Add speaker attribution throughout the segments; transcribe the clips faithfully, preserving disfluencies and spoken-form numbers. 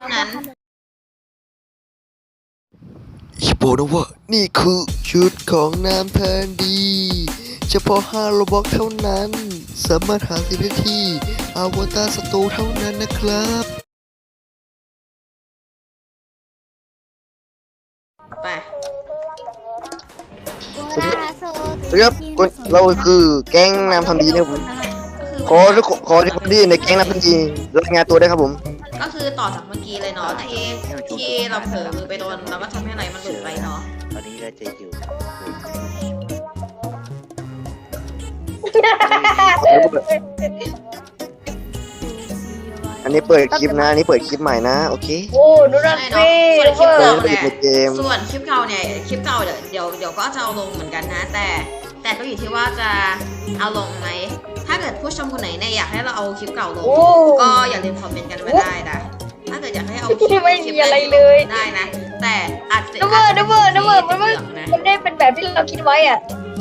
Speaker 1: นั้น
Speaker 2: ชิโบนะว่านี่คือชุดของน้ำแทนดีเฉพาะห้าโลบ็อกเท่านั้นสามารถหาซื้อได้ที่อวตารสโตร์เท่านั้นนะครับ
Speaker 1: ไป
Speaker 2: สวัสดีครับเราคือแก๊งน้ำทำดีนะครับผมขอทุกขอทุกคนที่ในแก๊งน้ำทำดีรายงานตัวได้ครับผม
Speaker 1: ก็คือต่อจากเมื่อกี้เลยเนาะที่ที่เราเผลอมือไปโดนเราก็ทำให้อะไรมันหลุดไปเนาะ
Speaker 3: ตอนนี้เราจะอยู่
Speaker 2: อันนี้เปิดคลิปนะอันนี้เปิดคลิปใหม่นะโอเค
Speaker 4: โอ้ดูนะสิ
Speaker 1: ส่วนคลิปเก่าเนี่ยส่วนคลิปเก่าเนี่ยคลิปเก่าเดี๋ยวเดี๋ยวเดี๋ยวก็จะเอาลงเหมือนกันนะแต่แต่ก็อยู่ที่ว่าจะเอาลงไหมถ้าเกิดผู้ชมคนไหนเนี่ยอยากให้เราเอาคลิปเก่าลงก็อย่าลืมคอมเมนต์กันมาได้นะถ้าเกิดอยากให้เอาคลิป
Speaker 4: ไม่มีอะไรเลย
Speaker 1: ได้นะแต่อาจจะ
Speaker 4: นับเบอร์นับเบอร์นับเบอร์มันไม่มันได้เป็นแบบที่เราคิดไว้อ่ะ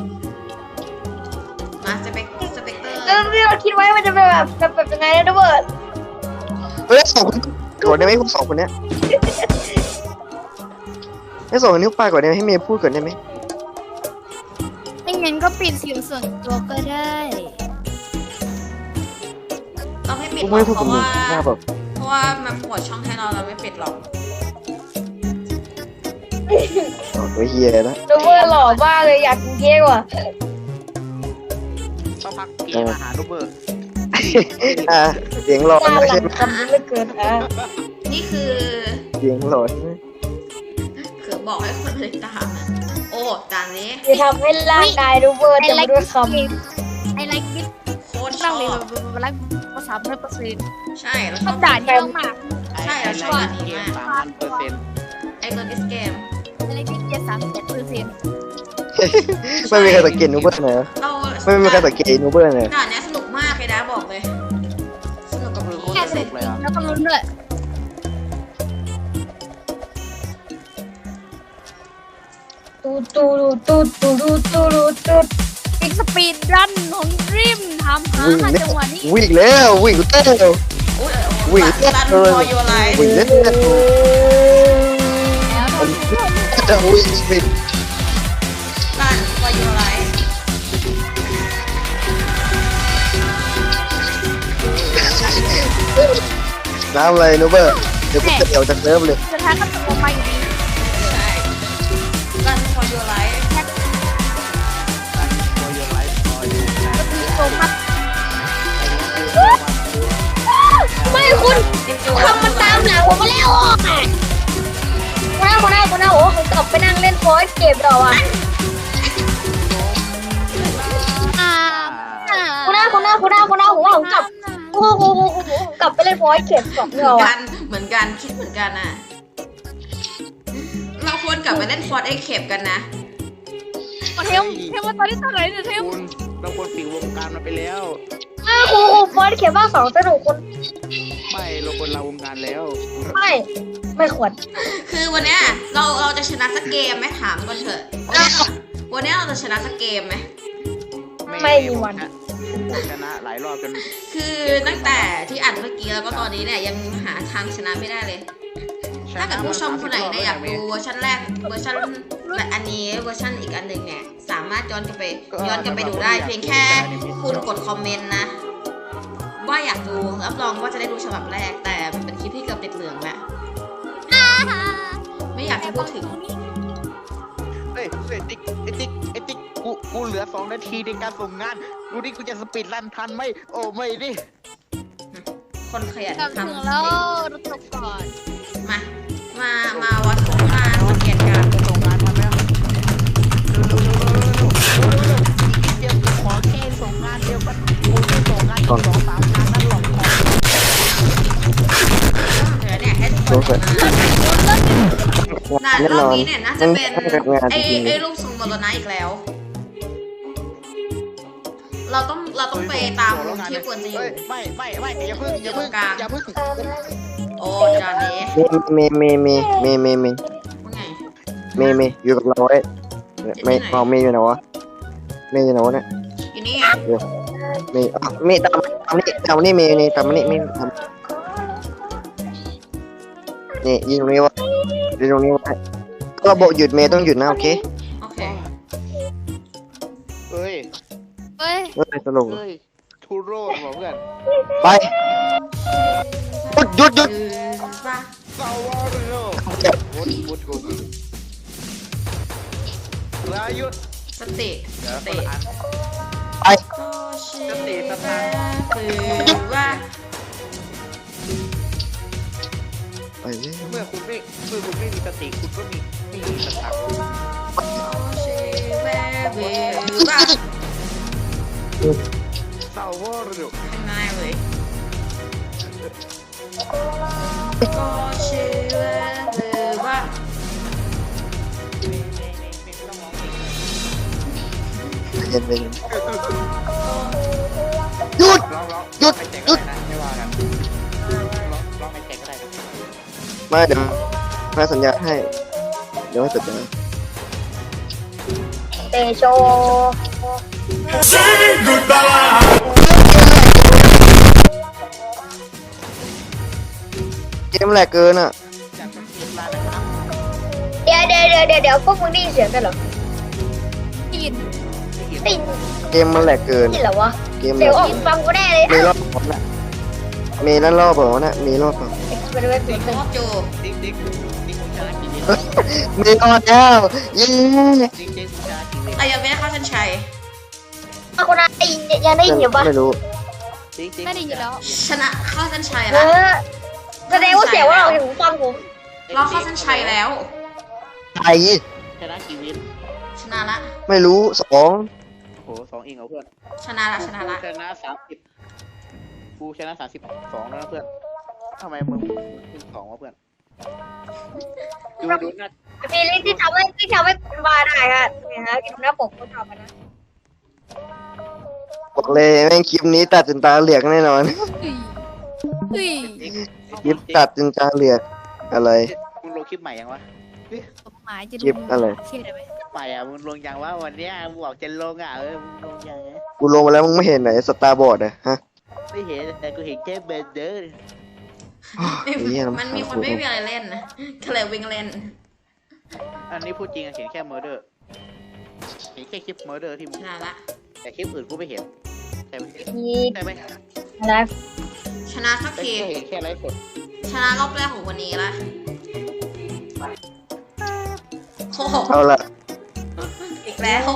Speaker 1: มาสเปกสเปกเตอร์
Speaker 4: แล้วที่เราคิดไว้มันจะเป็นแบบแบบยังไงนะนับเบอร์
Speaker 2: เฮ้ยสองคนก่อนได้ไหมพวกสองคนเนี้ยให้สองคนนี้ไปก่อนได้ไหมให้เมย์พูดก่อนได้ไหม
Speaker 5: ไม่งั้นก็ปิดเสียงส่วนตัวก็ได้
Speaker 1: ต้องให้ปิดเพราะว่าเพราะว่ามันปวดช่องให้เราเราไม่ปิดหรอก
Speaker 2: โอ้ยเฮียนะ
Speaker 4: นับเบอร์หล่อมากเลยอยากกินเค้กว่ะ
Speaker 3: ต้องพักเกมอาหารนับเบอร์
Speaker 2: อ่าเสียงหล่อ
Speaker 4: ใช่ไหมจำไม่เกินอ่ะ
Speaker 1: นี่คือ
Speaker 2: เสียงหล่อใช่ไหม
Speaker 1: คือบอกให้คนติดตามโอ้จานนี้
Speaker 4: จะทำให้ร่างกายนับเบอร์จะไม่ด้วยค
Speaker 5: ำไอไลค์บิ๊ก
Speaker 1: โคตรชอบ
Speaker 5: รักภาษาไม่เปอร์เซ็นต์
Speaker 1: ใช่เรา
Speaker 5: ชอบด่านนี้มาก
Speaker 1: ใช่เราชอบด่านนี้มาก
Speaker 3: สามพันเปอร์เซ็นต์
Speaker 1: ไอตัวดิสเกม
Speaker 5: ไอไลค์บิ๊กเจ็ดสามเจ็ดเปอร์เซ็นต์
Speaker 2: ไม่มีใครสังเกตนูเบอร์เลยไม่มีใครสังเกตนูเบอร์เลย
Speaker 1: ด่านนี้สนุกมากเลยนะบอกเลยสนุกกับมือโคตรสนุกเลยอ่ะ
Speaker 5: แล้วก็ลุ้นด้วย
Speaker 4: ตูตูตูตูตูตูตู
Speaker 5: อีกสปีดรันของริมทำหาจังหวะนี้
Speaker 2: วิ่งแล้ววิ่งเต้นวิ่ง
Speaker 1: เต้นเลย
Speaker 2: วิ่งเล่นแล้วจะวิ่งวิ่ง
Speaker 1: รันวายอะไร
Speaker 2: น้ำอะไรนูเบอร์เดี๋ยวกูจะเดี่ยวจากเริ่มเลย
Speaker 5: สุดท้ายก็ตกลงมาอยู่ดี
Speaker 1: ใช่รันวายอะไร
Speaker 4: ไม่คุณทำมันตามหลังผมมาแล้วอ่ะคนหน้าคนหน้าคนหน้าโอ้ผมกลับไปนั่งเล่นฟอยส์เก็บดอกอ่ะคนหน้าคนหน้าคนหน้าคนหน้าผมว่าผมกลับโอ้โหกลับไปเล่นฟอยส์เก็บสองดอก
Speaker 1: กันเหมือนกันคิดเหมือนกันอ่ะเราควรกลับไปเล่นฟอร์ดเอ็กเคปกันนะ
Speaker 5: เทมเทมมาตอนนี้ตอนไหนเนี่ยเทม
Speaker 3: เราควรปิดวงการมาไปแล้ว
Speaker 4: อ้าวโอ้โหฟอยส์เก็บบ้างสองสนุกคน
Speaker 3: ไม่เราควรลาวงการแล้ว
Speaker 4: ไม่ไม่ควร
Speaker 1: คือวันนี้เราเราจะชนะสักเกมไหมถามก่อนเถอะวันนี้เราจะชนะสักเกมไหม
Speaker 4: ไม่มีวัน
Speaker 3: ชนะหลายรอบจน
Speaker 1: คือตั้งแต่ที่อัดเมื่อกี้แล้วก็ตอนนี้เนี่ยยังหาทางชนะไม่ได้เลยถ้าเกิดผู้ชมคนไหนเนี่ยอยากดูเวอร์ชันแรกเวอร์ชันแบบอันนี้เวอร์ชันอีกอันหนึ่งเนี่ยสามารถย้อนกลับไปย้อนกลับไปดูได้เพียงแค่คุณกดคอมเมนต์นะว่าอยากดูรับรองว่าจะได้ดูฉบับแรกแต่มันเป็นคลิปที่เกือบติดเหลืองแหละไม่อยากจะพูดถึง
Speaker 3: เฮ้ยเฮ้ยติ๊กไอติ๊กไอติ๊กกูกูเหลือสองนาทีในการส่งงานดูดิกูจะสปีดรันทันไหมโอ้ไม่ดิ
Speaker 1: คนขยันทำ
Speaker 5: แล้วรถตกก่อน
Speaker 1: มามามาวัดมาสังเกตการ
Speaker 3: ส่งงานทันไหมเดี๋ยวขอแค่ส่งงานเดียวก็กูจะส่งงานสองสามงานนั่นหรอก
Speaker 1: เดี๋ยวเนี่ยให้ทุกคนน่ารอบนี้เนี่ยน่าจะเป็นไอ้ไอ้รูปทรงโมโลนาอีกแล้วเราต้องเราต้องไปตามที่ควรจะอยู่
Speaker 3: ไม่ไม่ไม่อย่าพึ่งอย่าพึ่งอย่าพึ่ง
Speaker 1: โอ้จานนี้
Speaker 2: เมย์เมย์เมย์เมย์เมย์เมย์
Speaker 1: ว่าไง
Speaker 2: เมย์เมย์อยู่กับเราไอ้เมย์เอาเมย์อยู่ไหนวะเมย์อยู่ไหนวะเนี่ย
Speaker 1: อยู่นี่
Speaker 2: เมย์เมย์ตามตามนี่ตามนี่เมย์นี่ตามนี่เมย์ทำนี่ยิงตรงนี้วะยิงตรงนี้วะก็บอกหยุดเมย์ต้องหยุดนะโอเค
Speaker 1: โอเค
Speaker 3: เอ้ย
Speaker 5: เฮ้ย
Speaker 2: เฮ้ยตลก
Speaker 3: เอ้ยทูโร่บอกเพื่อน
Speaker 2: ไปหยุดหยุดหยุด
Speaker 1: อือว่า
Speaker 3: ซาวาโร่วุดวุดวุดลายุด
Speaker 1: สติ
Speaker 3: เดี๋ยว
Speaker 1: ส
Speaker 3: คน
Speaker 1: ติ
Speaker 3: ละอัน
Speaker 2: ไป
Speaker 1: ก็เชื่
Speaker 3: สติ
Speaker 1: อ
Speaker 3: สตางค์
Speaker 1: คือว่า
Speaker 2: ไปเลย
Speaker 3: เมื่อคุณไม่เมื่อคุณไม่มีสติคุณก็มีไม่มีสตังค์
Speaker 1: ก็เชื่อว่า
Speaker 3: ซาวาโร่
Speaker 1: ง่ายเลยก็เชื่อว่า
Speaker 3: ไม่ไม่ไม่ไม่ต้องมองผิด
Speaker 2: เย็นไปเย็นหยุด
Speaker 3: ร้องร้อง
Speaker 2: หยุด
Speaker 3: ไม่แจก
Speaker 2: หยุ
Speaker 3: ก็
Speaker 2: ด
Speaker 3: ได้นะไม่ว่ากันร้องร้องไม่แจกก็ได้นะ
Speaker 2: มาเดี๋ยวให้สัญญาให้เดี๋ยวให้สัญญา
Speaker 4: เตโช
Speaker 2: เกมแหลกเกินอ่ะ
Speaker 3: จากคนที่ร้านนะครับ
Speaker 4: เดี๋ยวเดี๋ยวเดี๋ยวเดี๋ยวเดี๋ยวพวกมึงได้ยินเสียงกันเหรอ
Speaker 5: ได้ยิน
Speaker 4: ได้ยิน
Speaker 2: เกมมันแหลกเกิน
Speaker 4: ได้ยินเหรอวะ
Speaker 2: เกมแห
Speaker 4: เสี
Speaker 2: ล
Speaker 4: ยง
Speaker 2: ก
Speaker 4: ออกฟังกูแน่เลย
Speaker 2: มีรอบเปล่าน่ะมีนั่นรอบเปล่าน่ะมีรอบเปล่า
Speaker 4: ไปดูไป
Speaker 1: ติ
Speaker 4: ดู
Speaker 1: ดโคตรจู
Speaker 3: ติ๊กติ๊กติ๊กคุณชนะกี่วิน
Speaker 2: มีรอบแล้วเย้
Speaker 3: ติ๊กติ๊กคุณชนะกี่วิน
Speaker 1: แต่ยังไม่ได้เข้าเส้นชัย
Speaker 4: อ่ะคุณอาได้ยินยังได้ยินอยู่ปะ
Speaker 2: ไม่รู้
Speaker 3: ติ๊กติ๊ก
Speaker 5: ไม่ได้ยินแล้ว
Speaker 1: ชนะเข้าเส้นชัย
Speaker 4: เอ
Speaker 1: แล้ว
Speaker 4: อแสดงว่าเสียงว่าเราถึงฟังผม
Speaker 1: เราเข้าเส้นชัยแล้ว
Speaker 2: ไอ้
Speaker 3: ชนะกี่วิน
Speaker 1: ชนะละ
Speaker 2: ไม่รู้สอง
Speaker 3: โอ้โหสองเองเหรอเพื่อน
Speaker 1: ชนะละชนะละ
Speaker 3: ชนะสามสิบกูชนะสามสิบสองแล้วนะเพื่อนทำไมมึงขึ้นสองวะเพื่อนดูดูหน้า
Speaker 4: มีลิงก์ที่ทำให้ที่ทำให้คุณมาได้ค่ะเนี่ยฮะที่หน้าปกเขาทำมานะ
Speaker 2: บอกเลยแม่งคลิปนี้ตัดจนตาเหลือกแน่นอน
Speaker 5: เฮ้ย
Speaker 3: ติ๊ก
Speaker 2: คลิปตัดจนตาเหลือกอะไร
Speaker 3: มึงลงคลิปใหม่ยังวะ
Speaker 5: หมายจะ
Speaker 2: คลิปอะไร
Speaker 5: เชื่อได้ไหม
Speaker 3: ใหม่อ่ะมึงลงยังวะวันเนี้ยมึงบอกจะลงอ่ะเออมึงลงยังไง
Speaker 2: กูลงมาแล้วมึงไม่เห็นไหนสตาร์บอร์ดอะฮะ
Speaker 3: ไม่เห็นแต่กูเห็นแค่เบนเดอร์
Speaker 2: เหี้ย
Speaker 1: มันมีคนไม่มีอะไรเล่นนะก็เลยวิ่งเล่น
Speaker 3: อันนี้พูดจริงอะเห็นแค่เมอร์เดอร์เห็นแค่คลิปเมอร์เดอร์ที่มึ
Speaker 1: ช
Speaker 3: ง
Speaker 1: นะละ
Speaker 3: แต่คลิปอื่นกูไม่เห็นใช่ไหม
Speaker 4: มี
Speaker 3: ใช่ไหม
Speaker 4: อะไร
Speaker 1: ชนะสัก
Speaker 3: แต่
Speaker 1: ที
Speaker 3: กูเห็นแค่ไลฟ์สด
Speaker 1: ชนะรอบแรกของวันนี้ละโอ้โห
Speaker 2: เอาละ
Speaker 1: อีกแล้ว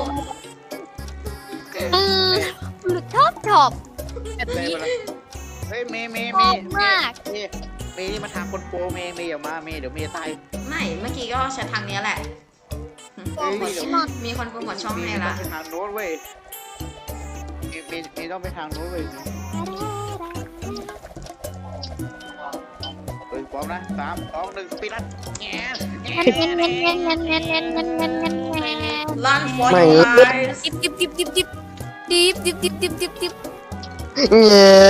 Speaker 5: อืมหลุดท็อปท็อปแบบ
Speaker 3: เลย
Speaker 5: นี้
Speaker 3: มาละเฮ้ยเมย์เมย์
Speaker 5: ช
Speaker 3: เม
Speaker 5: อบ
Speaker 3: ย์
Speaker 5: มาก
Speaker 3: เมย์เมย์นี่มาทางคนโปรเมย์เมย์อย่ามาเมย์เดี๋ยวเมย์ตาย
Speaker 1: ไม่เมื่อกี้ก็ใช้ทางนี้แหละ
Speaker 3: เฮ้ยเดี๋ยว
Speaker 1: มีคนโปรโมทช่อง
Speaker 3: เม
Speaker 1: ให้
Speaker 3: ย์ต้อ
Speaker 1: ละ
Speaker 3: งไปทางโน้นเว้ยเมย์เมย์เมย์ต้องไปทางโน้นเว้ยเฮ้ยพร้อมนะสามสองหนึ่งสปีดรันแง่แง่
Speaker 5: เงี้ยเงี้ยเงี้ยเงี้ยเงี้ยเงี้ยเงี้ยเงี้ยเงี้ยเงี้ย
Speaker 1: ลันฟอร์
Speaker 2: ไม่
Speaker 1: ยู
Speaker 2: เงี้ย
Speaker 1: ไลส์
Speaker 5: ดิบดิบดิบดิบดิบดิบดิบดิบดิบดิบดิบ
Speaker 2: เงี้ย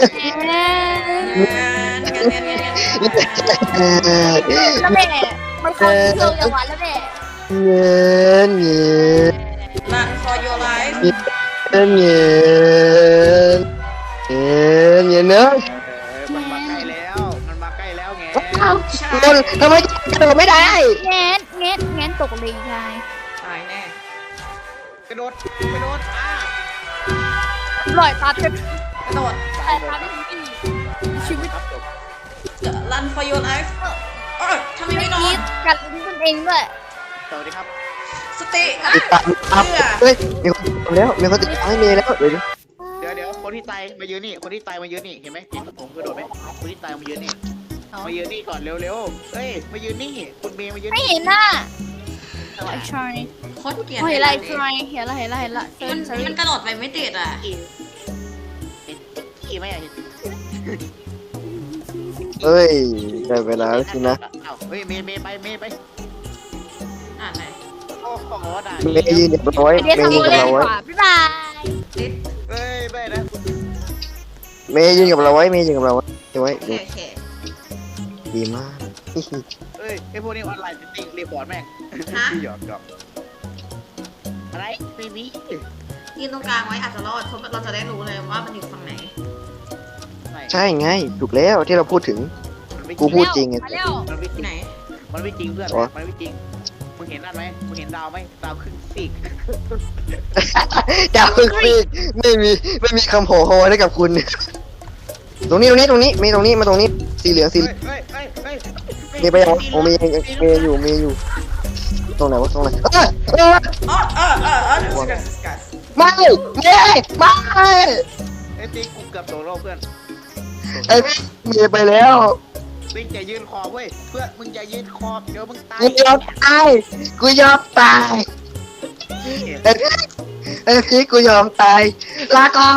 Speaker 4: แล้วแม่มันคนเที่ยวจังหวัดแล้วแม่
Speaker 2: เงี้ยเงี้ย
Speaker 1: ลันฟอร์ยูไลส์
Speaker 2: เงี้ยเงี้ยเงี้ยเนอะ
Speaker 3: มันมาใกล้แล้ว มันมาใกล้แล้วไง
Speaker 1: ใช่
Speaker 2: คนทำไมกระโดดไม่ได้
Speaker 5: แง้นแง้นแง้นตกเลยชาย
Speaker 1: ตายแน่
Speaker 3: กระโดด กระโดดอ่ะ
Speaker 5: ปล่อยตาเต็ม
Speaker 1: กระโดด
Speaker 5: ปล่อยตาได้ทุกที่ชีวิต
Speaker 3: ครับจบ
Speaker 1: ลันฟอร์ยูไลส์เออทำไมไม่โด
Speaker 5: นี้
Speaker 1: น
Speaker 5: กัดลิ้นตนเองด้วย
Speaker 3: สวัสดีครับ
Speaker 1: สติอ่ะ
Speaker 2: ติดตามครับเฮ้ยมีคนติดตามแล้วมีคนติดตามให้เมย์แล้วเดี๋ยว
Speaker 3: เดี๋ยวเดี๋ยวคนที่ตายมายืนนี่ คนที่ตายมายืนนี่ เห็นไหมเห็นผมกระโดดไหมคนที่ตายมายืนนี่ มายืนนี่ก่อนเร็วๆ เฮ้ย มายืนนี่ คุณเมย์มายืน
Speaker 5: ไม่
Speaker 3: นี่
Speaker 5: เห็นหน้าไอ้ชาย
Speaker 1: โคตรเกลียด
Speaker 5: เห็นอะไรชายเห็นอะไรเห็นอะไรเห็นอะไรเซิร์
Speaker 1: มัน
Speaker 5: นเซิร์
Speaker 1: มัน
Speaker 5: น
Speaker 1: กระโดดไปไม่ติดอ่ะ
Speaker 3: เห็นขี้ไหมอ่ะเห็น
Speaker 2: เฮ้ยได้เวลาแล้วสินะ
Speaker 3: อ้าวเฮ้ย เมย์เมย์ไป เมย์ไป
Speaker 1: อ่านไหน
Speaker 3: โอ้โหด่า
Speaker 2: เมย์ยืนเดี๋ยวเราไว้
Speaker 5: เดี๋ยว
Speaker 2: เมย์
Speaker 5: ทำ
Speaker 2: ยื
Speaker 5: โม
Speaker 2: นกับ
Speaker 5: เล่น
Speaker 2: เรา
Speaker 5: ดี
Speaker 2: ไว้
Speaker 5: กว่าบ๊ายบาย
Speaker 1: ติด
Speaker 3: เฮ้ยไม่นะ
Speaker 2: เมย์ยืนกับเราไว้เมย์ยืนกับเราไว้ไว้
Speaker 1: โอเคโอเค
Speaker 2: ดีมาก
Speaker 3: เฮ้ยไอพวกนี้ออนไลน์จริงๆรีพอร์ตแม่ง
Speaker 1: ฮะ
Speaker 3: หยอกหยอกอะไรไม่มี
Speaker 1: ยืนตรงกลางไว้อาจจะรอดเพราะเราจะได้รู้เลยว่ามันอยู่ฝั่งไหน
Speaker 3: ไม่
Speaker 2: ใช่ไงถูกแล้วที่เราพูดถึง
Speaker 3: มไม่จ
Speaker 2: กู
Speaker 3: ริง
Speaker 2: พูดจริงไง
Speaker 5: มาเร็ว
Speaker 3: มันไม่จริง
Speaker 1: ไหน
Speaker 3: มันไม่จริงเพื่อน
Speaker 2: อ๋อ
Speaker 3: มันไม่จริงมึงเห็นนั่นไหมมึงเห็นดาวไหมดาวครึ่งซีก
Speaker 2: ดาวคือไม่มีไม่มีคำโหโหให้กับคุณ ตรงนี้ตรงนี้ตรงนี้มีตรงนี้มาตรงนี้สีเหลืองสี
Speaker 3: เฮ้ยเฮ้ยเฮ้ยเฮ้ย
Speaker 2: มีไปยังวะโอ้มียังมีอยู่มีอยู่ ตรงไหนวะตรงไหนเอ้ยเอ้ย
Speaker 1: อ๋อเออเออเออ discuss discuss
Speaker 2: ไม่ไม่ไม่
Speaker 3: ไอ้ติ๊กกูเกือบโดนรอบเพื่อน
Speaker 2: ไอ้พี่มีไปแล้ว
Speaker 3: ติ๊กอย่ายืนคอบเว้ยเพื่อนมึงอย่ายืนคอบเดี๋ยวมึงตาย
Speaker 2: กูยอมตายกูยอมตายไอ้พี่ไอ้พี่กูยอมตายลาก่อน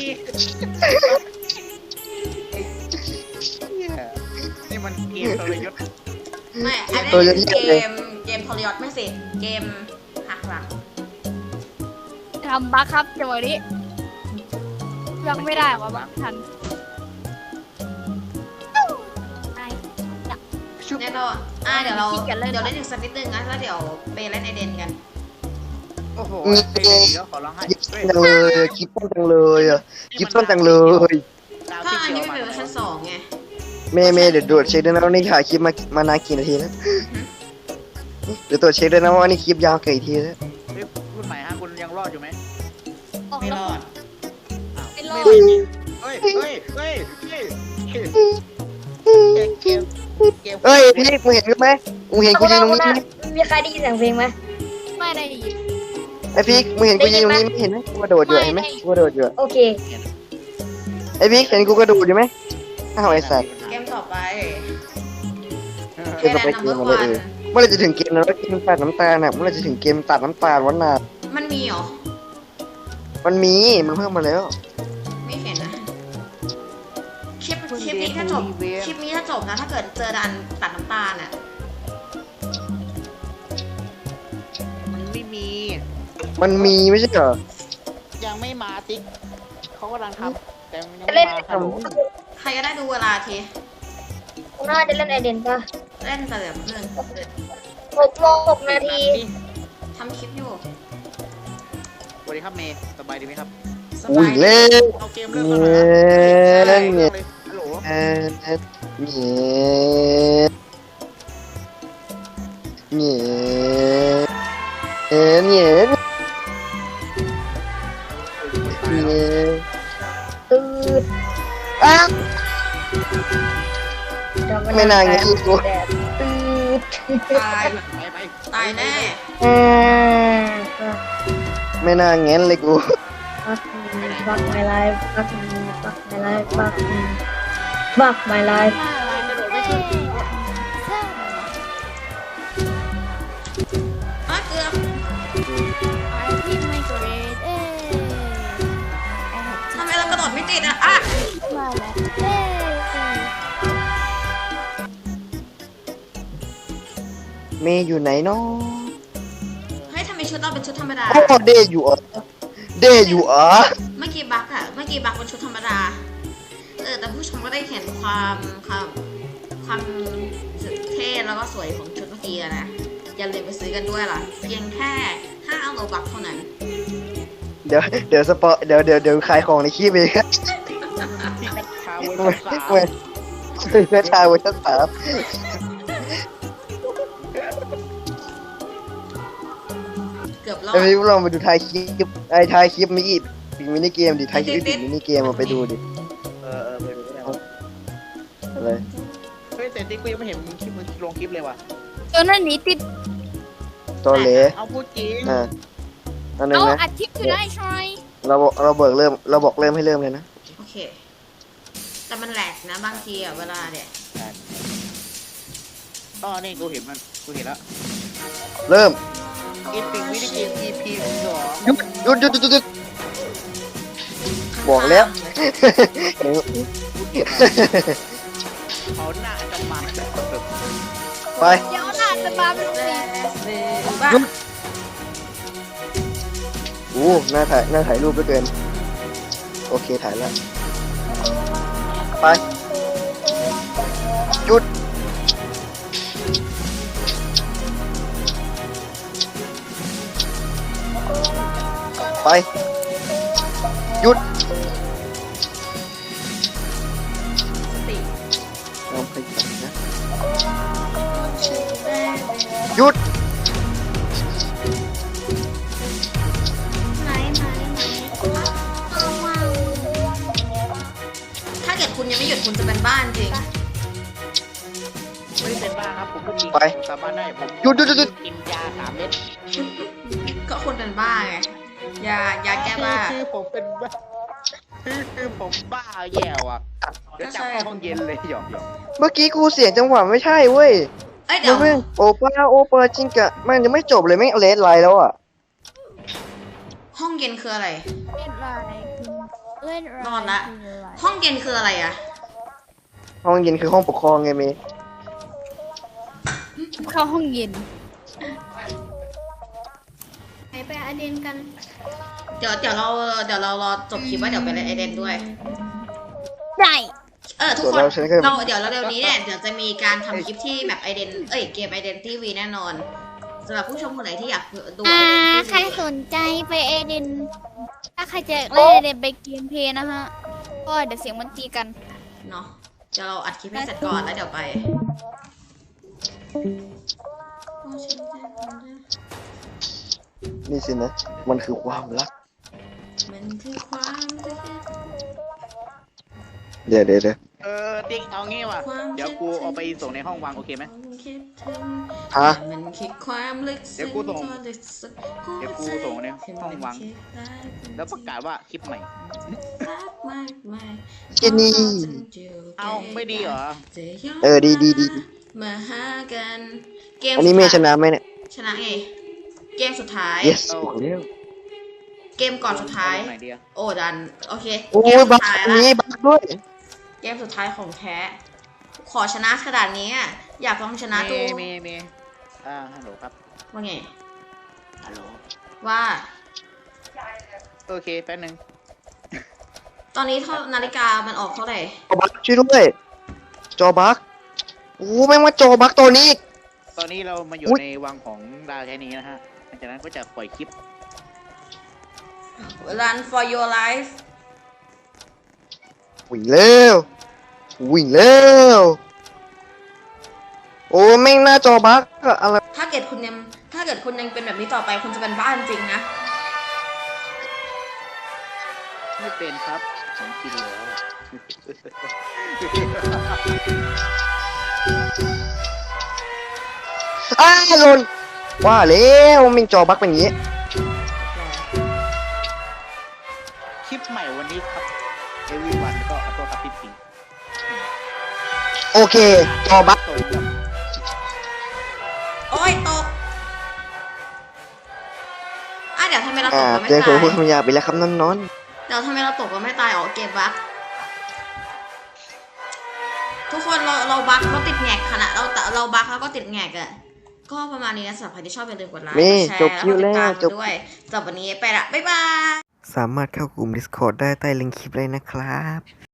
Speaker 3: นี่มันเกมทรยศ
Speaker 1: ไม่อันนี้เกมเกมทรยศไม่สิเกมหักหลัง
Speaker 5: ทำบัคครับจังหวะนี้ยังไม่ได้วะบัคทันไอ้
Speaker 1: แน่นอนอ่ะเดี๋ยวเรา
Speaker 5: ขี้เกียจเล่น
Speaker 1: เดี๋ยวเล่นอีกสักนิดนึงนะแล้วเดี๋ยวไปเล่นไอเดนกัน
Speaker 3: โอ้โหไอ้เดี๋ยวขอร้องให้
Speaker 2: ยิบต้นจังเลยคลิปต้นจังเลยอ่ะคลิปต้นจังเลย
Speaker 3: ดาว
Speaker 1: ก็
Speaker 3: ที่
Speaker 1: อัน
Speaker 3: เขีย
Speaker 1: นี้
Speaker 3: ว
Speaker 1: มัน
Speaker 3: มา
Speaker 1: เป็นเวอร์ชันสองไง
Speaker 2: เมย์เมย์เดี๋ยวตรวจเช็คด้วยนะว่านี่ถ่ายคลิปมามานานกี่นาทีแล้วเดี๋ยวตรวจเช็คด้วยนะว่านี่คลิปยาวกี่นาทีแล้ว
Speaker 3: เฮ้ยรุ่นใหม่ฮะคุณยังรอดอยู่ไหม
Speaker 5: ออก
Speaker 3: ไม่
Speaker 5: แล้
Speaker 3: ร
Speaker 5: ว
Speaker 3: อด
Speaker 5: ไม่รอด
Speaker 3: เฮ้ยเฮ้ยเฮ้ยเฮ้ยเฮ้ยเกมเกม
Speaker 2: เอ้ยพี่มึงเห็นกูไหมมึงเห็นกูยืนตรงนี้ไหม
Speaker 4: มีใครได้ยินเสียงเพลงไหม
Speaker 5: ไม่ได้ยิน
Speaker 2: ไอ้พี่มึงเห็นกูยืนตรงนี้ไหมเห็นไหมกูกระโดดอยู่เห็นไหมกูกระโดดอยู่
Speaker 4: โอเค
Speaker 2: ไอ้พี่เห็นกูกระโดดอยู่ไหมอ้าวไอ้สัตว์
Speaker 1: เกมต่อไป
Speaker 2: เกมต่อไปเกมอะไรเออเมื่อไรจะถึงเกมนั้นว่าเกมตัดน้ำตาลน่ะเมื่อไรจะถึงเกมตัดน้ำตาลวันน่ะ
Speaker 1: มันมีเหรอ
Speaker 2: มันมีมันเพิ่มมาแล้ว
Speaker 1: ไม่เห็นนะคลิปคลิปนี้ถ้าจบคลิปนี้ถ้าจบนะถ้าเกิดเจอดันตัดน้ำตาลอ่ะ
Speaker 3: มันไม่มี
Speaker 2: มันมีไม่ใช่เหรอ
Speaker 3: ยังไม่มาติ๊กเขากำลังทำแต่ยัง
Speaker 4: จะ
Speaker 3: ไม่
Speaker 4: เล่น
Speaker 3: มาฮัลโหล
Speaker 1: ใครก็ได้ดูเวลาที
Speaker 4: น่าจะเล่นไอเดนป่ะ
Speaker 1: เล่นแต่แบบนึง
Speaker 4: หกโมงหกนาที
Speaker 1: ทำคลิปอยู่
Speaker 3: สวัสดีครับเมย์สบายดีไหมครับ
Speaker 1: ส
Speaker 2: อุ้
Speaker 1: บาย ย
Speaker 2: เล่น
Speaker 3: เอาเกมเริ่มแล้วเหรอ
Speaker 2: เล่นเนี่ย
Speaker 3: ฮัลโหล
Speaker 2: เอ็ดเนี่ยเนี่ยเอ็ดเนี่ยเนี่ย
Speaker 4: ตืด
Speaker 2: อ้า
Speaker 4: ไม่นานงี้กูตืด
Speaker 1: ตาย
Speaker 3: ไปไป
Speaker 1: ตายแน่
Speaker 4: อ่า
Speaker 2: ไม่น่าเงี้ยเลยกู
Speaker 4: fuck me fuck my life fuck me fuck my life fuck me fuck my life
Speaker 1: อ่ะเกือบ
Speaker 5: ที่ไม่เกรดเอ้
Speaker 1: ทำไมเรากระโดดไม่ติดอ่ะอ่ะ
Speaker 5: มาแล้วเอ้
Speaker 2: เมย์อยู่ไหนเนาะ
Speaker 1: เฮ้ยทำไมชุดเราเป็นชุดธรรมดา
Speaker 2: โอ้เดย์อยู่เหรอเดย์อยู่เหรอ
Speaker 1: เมื่อกี้บักอะเมื่อกี้บักเป็นชุดธรรมดา เออแต่ผู้ชมก็ได้เห็นความความความเท่แล้วก็สวยของชุดเมื่อกี้อะนะ อย่าลืมไปซื้อกันด้วยล่ะ เพียงแค่ห้าโลบักเท่านั้น
Speaker 2: เดี๋ยวเดี๋ยวสปอเดี๋ยวเดี๋ยวเดี๋ยวขายของในคลิปเองครับ
Speaker 3: ที่ชาว
Speaker 2: เว้
Speaker 3: เว
Speaker 2: ย
Speaker 3: อร์สาม
Speaker 2: เว้ยเพื่อชายเวอร์ชันสาม
Speaker 1: เกือบรอด
Speaker 2: ไอ้พี่ลองไปดูทายคลิปไอ้ทายคลิปมิกิปิดมินิเกมดิทายคลิปปิดมินิเกมมาไปดูดิ
Speaker 3: เออเออไปดูได้
Speaker 2: อะไร
Speaker 3: เฮ้ยแต่ติ๊กกูยังไม่เห็นมึงคลิปมึงลงคลิปเลยว่ะ
Speaker 5: จนนั่นหนีติด
Speaker 2: ตอเหล
Speaker 3: เอาพูดจริง
Speaker 2: อ่าอันนึง
Speaker 5: เอา
Speaker 2: นะ
Speaker 5: อัดคลิปอยู่ได้ชอย
Speaker 2: เราบอกเราเบิกเริ่มเราบอกเริ่มให้เริ่มเลยนะ
Speaker 1: โอเค แต่มันแหลกนะบางทีอะเวลาเนี่ย
Speaker 3: อ๋อนี่กูเห็นมันกูเห็นแล้ว
Speaker 2: เริ่ม
Speaker 3: อีพิงวิดีเกม อี พี สอง
Speaker 2: หยุดหยุดหยุดหยุดหยุดบอกแล้ว
Speaker 3: เขาหน้าจะมาแบบแบบ
Speaker 2: ไป
Speaker 5: เดี๋ยวหน้าจะมาเป็นสี
Speaker 1: บ้า
Speaker 2: โอ้หน้าถ่ายหน้าถ่ายรูปไปเกิน โอเคถ่ายแล้ว ไป หยุด ไป หยุด
Speaker 1: สติ
Speaker 2: ลองไปจับนะหยุด
Speaker 4: ไหนไหนไหนเอาว้าว
Speaker 1: ถ้าเกิดคุณยังไม่หยุดคุณจะเป็นบ้านจริง
Speaker 3: ไม่ได้เป็นบ้าครับผมก็จริง
Speaker 2: ไป
Speaker 3: สามารถได้ผม
Speaker 2: หยุดหยุดหยุดหยุด
Speaker 3: กินยาสามเม็ด
Speaker 1: ก็คุณเป็นบ้าไงยายาแก้บ้า
Speaker 3: คือผมเป็นบ้าคือคือผมบ้าแย่ว่ะเดี๋ยวจับเข้าห้องเย็นเลยหยอกหยอก
Speaker 2: เมื่อกี้กูเสียงจังหวะไม่ใช่เว้ย
Speaker 1: เอ้ย
Speaker 2: เดี๋
Speaker 1: เดี๋
Speaker 2: ย
Speaker 1: ยว ว
Speaker 2: เพิ่งโอป้าโอเปอร์จริงกะมันยังไม่จบเลยแม่งเลสไลน์แล้วอ่ะ
Speaker 1: ห้องเย็นคืออะไร
Speaker 5: เล่นอะไรคือเล่นอะไร
Speaker 1: นอนละ
Speaker 5: คืออะไร
Speaker 1: ห้องเย็นคืออะไรอะ
Speaker 2: ห้องเย็นคือห้องปกครองไงเมย์
Speaker 5: เข้าห้องเย็น
Speaker 4: ไหนไปอาเดนกัน
Speaker 1: เดี๋ยวเดี๋ยวเราเดี๋ยวเรารอจบคลิปว่าเดี๋ยวไปเล่นไอเดนด้วย
Speaker 5: ได้
Speaker 1: เออทุก
Speaker 2: ส่วน
Speaker 1: คน
Speaker 2: เราฉันก็
Speaker 1: เราเดี๋ยวเราเร็วนี้เนี่ยเดี๋ยวจะมีการทำคลิปที่แบบไอเดนเอ้ยเกมไอเดนทีวีแน่นอนสำหรับผู้ชมคนไหนที่อยากดู
Speaker 5: อ่า
Speaker 1: Identity
Speaker 5: ใครสนใจไปเอเดน ถ้าใครจะเล่นเอเดนไปเกมเพลย์นะฮะ ก็เดี๋ยวเสียงมันตีกัน
Speaker 1: เนาะเดี๋ยวเราอัดคลิปให้เสร็จก่อนแล้วเดี๋ยวไป
Speaker 2: นี่สินะ มันคือความรัก
Speaker 1: มันคือความรัก
Speaker 2: เดี๋ยวเดี๋ยวเดี๋ยว
Speaker 3: เออติ๊กเอางี้ว่ะเดี๋ยวกูเอาไปส่งในห้องวางโอเคไหม
Speaker 1: คิดถึง
Speaker 2: ฮะ
Speaker 1: มันคือความลึกซึ้ง
Speaker 3: เดี๋ยวกูส่ง
Speaker 1: ก็ลึกซึ้ง
Speaker 3: เดี๋ยวกูส่งในห้องวาง แล้วประกาศว่าคลิปใหม่
Speaker 2: เจนี่
Speaker 3: เอาไม่ดีเหรอ
Speaker 2: เออดีดีดี
Speaker 1: มาหากันเกม
Speaker 2: อันนี้เมย์ชนะไหมเนี่ย
Speaker 1: ชนะไงเกมสุดท้าย
Speaker 2: yes บอกแล้ว
Speaker 1: เกมก่อนสุดท้าย
Speaker 3: ไหนดีอะ
Speaker 1: โอ้ดัน โอเค
Speaker 2: โอ้
Speaker 1: เกม
Speaker 2: ย
Speaker 1: สุ
Speaker 2: บั
Speaker 1: ด
Speaker 2: ก
Speaker 1: ท้าย
Speaker 2: อัน
Speaker 1: ละ
Speaker 2: นี้บักด้วย
Speaker 1: เกมสุดท้ายของแท้ ขอชนะขนาดนี้อะอยากลองชนะดู
Speaker 3: เมย์เมย์เมย์อ่าฮัลโหลครับ
Speaker 1: ว่าไง
Speaker 3: ฮัลโหล
Speaker 1: ว่า
Speaker 3: โอเคแป๊บนึง
Speaker 1: ตอนนี้เท่านาฬิกามันออกเท่าไหร่
Speaker 2: จอบักช่วยด้วย จอบักโอ้แม่งมาจอบักตัวนี้อีก
Speaker 3: ตอนนี้เรามาอยู่
Speaker 2: อุ๊ย
Speaker 3: ในวังของดาวแค่นี้นะฮะหลังจากนั้นก็จะปล่อยคลิป
Speaker 1: Run for your life
Speaker 2: วิ่งเร็ววิ่งเร็วโอ้แม่งหน้าจอบักอะอะไร
Speaker 1: ถ้าเกิดคุณยังถ้าเกิดคุณยังเป็นแบบนี้ต่อไปคุณจะเป็นบ้านจริงนะ
Speaker 3: ไม่เป็นครับผมกินแล้ว
Speaker 2: อ้าวหล่นว่าแล้วแม่งจอบักเป็นอย่างนี้
Speaker 3: คลิปใหม่วันนี้ครับ everyone ก็ขอโทษครับพี่ปิง
Speaker 2: โอเค จอบัก
Speaker 3: ตรงกับ
Speaker 1: โอ้ยตกอ่ะเดี๋ยวทำไมเราต
Speaker 2: อ่าก
Speaker 1: เราไม่
Speaker 2: เจอคน
Speaker 1: ตาย
Speaker 2: พูดคำหยาบไปแล้วครับน้องนอน
Speaker 1: เดี๋ยวทำไมเราตกเราไม่ตายอ๋อเกมบั๊กทุกคนเราเราบั๊กเราติดแงกขณะเราเราบั๊กแล้วก็ติดแงกอะก็ประมาณนี้นะสำหรับใครที่ชอบอย่าลืมกดไลค์
Speaker 2: นี่
Speaker 1: กดแชร์
Speaker 2: จบคิวแล้ว
Speaker 1: ก็ติดตาม
Speaker 2: จบ
Speaker 1: ด้วยสำหรับวันนี้ไปละบ๊ายบาย
Speaker 2: สามารถเข้ากลุ่ม Discord ได้ใต้ลิงก์คลิปเลยนะครับ